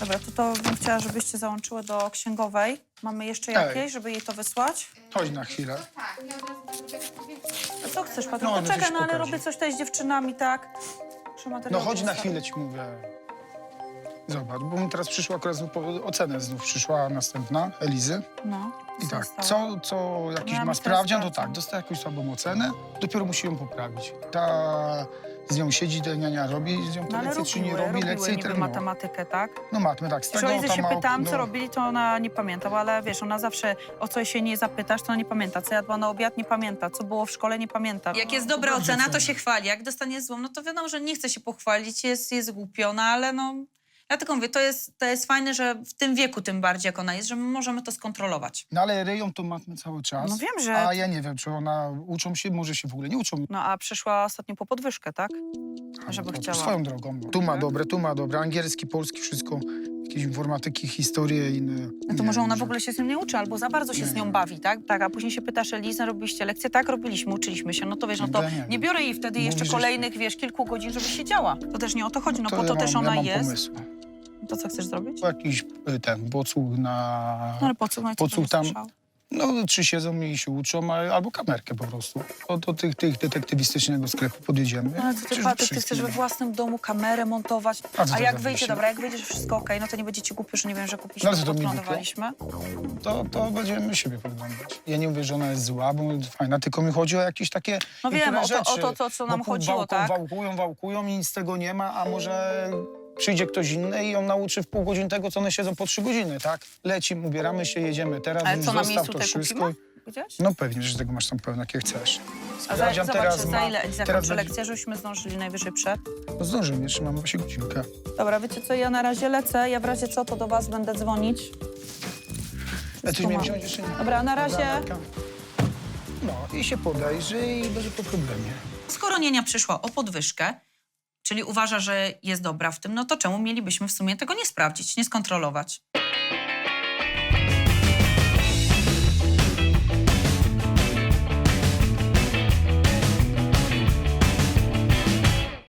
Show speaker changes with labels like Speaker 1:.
Speaker 1: Dobra, to bym chciała, żebyście załączyły do księgowej. Mamy jeszcze
Speaker 2: Ej.
Speaker 1: jakieś, żeby jej to wysłać?
Speaker 2: Chodź na chwilę.
Speaker 3: Tak, ja od razu zrobię
Speaker 1: A co chcesz, Patryk?
Speaker 2: No,
Speaker 1: No,
Speaker 2: no
Speaker 1: czekaj,
Speaker 2: coś
Speaker 1: no ale
Speaker 2: pokażę.
Speaker 1: robię coś tutaj z dziewczynami, tak? Muszę
Speaker 2: No
Speaker 1: materiał
Speaker 2: chodź na
Speaker 1: wysłać.
Speaker 2: chwilę, ci mówię. Zobacz, bo mi teraz przyszła akurat ocenę znów przyszła następna, Elizy.
Speaker 1: No.
Speaker 2: I tak,
Speaker 1: zostało?
Speaker 2: co jakiś
Speaker 1: Miałam
Speaker 2: ma
Speaker 1: teraz
Speaker 2: sprawdzian, to
Speaker 1: pracę.
Speaker 2: tak, dostaje jakąś słabą ocenę, dopiero musi ją poprawić. Ta z nią siedzi, niania robi z nią te
Speaker 1: No ale
Speaker 2: lekcje, czy nie
Speaker 1: robiły
Speaker 2: robi lekcje i
Speaker 1: niby
Speaker 2: trenuje.
Speaker 1: matematykę, tak?
Speaker 2: No matmy, tak, z
Speaker 1: Przy
Speaker 2: tego
Speaker 1: Elizy
Speaker 2: tam
Speaker 1: się
Speaker 2: ma...
Speaker 1: pytałam,
Speaker 2: no,
Speaker 1: co robili, to ona nie pamiętała, ale wiesz, ona zawsze o coś się nie zapytasz, to ona nie pamięta. Co jadła na obiad, nie pamięta. Co było w szkole, nie pamięta. Jak jest dobra
Speaker 2: dobrze
Speaker 1: ocena, to
Speaker 2: ocenia.
Speaker 1: się chwali. Jak dostanie złą, no to wiadomo, że nie chce się pochwalić, jest głupiona, ale no... Ja tylko mówię, to jest fajne, że w tym wieku tym bardziej, jak ona jest, że my możemy to skontrolować.
Speaker 2: No ale ryją to matmy cały czas.
Speaker 1: No wiem, że-
Speaker 2: A ja nie wiem, czy ona uczą się, może się w ogóle nie uczą.
Speaker 1: No a przyszła ostatnio po podwyżkę, tak? Żeby
Speaker 2: To
Speaker 1: chciała.
Speaker 2: Swoją drogą. Tu ma dobre, angielski, polski, wszystko. Jakieś informatyki, historie inne.
Speaker 1: No to
Speaker 2: Nie
Speaker 1: może
Speaker 2: wiem,
Speaker 1: ona w
Speaker 2: że-
Speaker 1: ogóle się z nią nie uczy, albo za bardzo się z nią bawi, tak? Tak, a później się pytasz, Eliza, robiliście lekcje? Tak, robiliśmy, uczyliśmy się. No to wiesz, no to
Speaker 2: Ja nie
Speaker 1: nie
Speaker 2: wiem.
Speaker 1: biorę jej wtedy jeszcze
Speaker 2: Mówisz, że-
Speaker 1: kolejnych, wiesz, kilku godzin, żeby siedziała. To też nie o to chodzi, no po to
Speaker 2: ja
Speaker 1: też
Speaker 2: mam,
Speaker 1: ona
Speaker 2: ja mam
Speaker 1: jest.
Speaker 2: pomysł.
Speaker 1: To co chcesz zrobić?
Speaker 2: Jakiś ten bocuch na...
Speaker 1: No ale po co? No i co
Speaker 2: Podsłuch
Speaker 1: tam
Speaker 2: tam-
Speaker 1: słyszał?
Speaker 2: No, czy siedzą i się uczą, albo kamerkę po prostu. Do tych detektywistycznego sklepu podjedziemy.
Speaker 1: No ale co ty,
Speaker 2: Przecież
Speaker 1: Patryk, ty
Speaker 2: wszystkim-
Speaker 1: chcesz we własnym domu kamerę montować,
Speaker 2: A co
Speaker 1: a
Speaker 2: to
Speaker 1: jak
Speaker 2: za
Speaker 1: wyjdzie,
Speaker 2: myśl?
Speaker 1: dobra, jak wyjdzie, że wszystko okej, no to nie będzie ci głupio, że nie wiem, że
Speaker 2: No
Speaker 1: kupiliśmy,
Speaker 2: ale co to mi głupio?
Speaker 1: podglądowaliśmy.
Speaker 2: To będziemy siebie podglądać. Ja nie mówię, że ona jest zła, bo fajna, tylko mi chodzi o jakieś takie
Speaker 1: No wiem,
Speaker 2: niektóre
Speaker 1: o
Speaker 2: rzeczy.
Speaker 1: to, co nam
Speaker 2: Bo
Speaker 1: chodziło, tak?
Speaker 2: Wałkują i nic z tego nie ma, a może przyjdzie ktoś inny i ją nauczy w pół godziny tego, co one siedzą po 3 godziny, tak? Lecimy, ubieramy się, jedziemy teraz,
Speaker 1: Ale
Speaker 2: już
Speaker 1: co, na
Speaker 2: zostaw
Speaker 1: miejscu
Speaker 2: to
Speaker 1: tutaj
Speaker 2: wszystko.
Speaker 1: kupimy? Gdzieś?
Speaker 2: No pewnie, że tego masz tam pełno, jakie chcesz.
Speaker 1: A
Speaker 2: Sprawdzian
Speaker 1: zobacz, za
Speaker 2: ma-
Speaker 1: ile
Speaker 2: teraz
Speaker 1: zakończy
Speaker 2: będzie-
Speaker 1: lekcję, żebyśmy zdążyli najwyżej przed.
Speaker 2: No zdążymy, jeszcze mamy właśnie godzinkę.
Speaker 1: Dobra, wiecie co, ja na razie lecę, ja w razie co, to do was będę dzwonić.
Speaker 2: A coś
Speaker 1: ma.
Speaker 2: miałem wziąć jeszcze nie?
Speaker 1: Dobra, na razie.
Speaker 2: Amelka. No i się podejrzy i będzie po problemie.
Speaker 1: Skoro nienia przyszła o podwyżkę, czyli uważa, że jest dobra w tym, no to czemu mielibyśmy w sumie tego nie sprawdzić, nie skontrolować?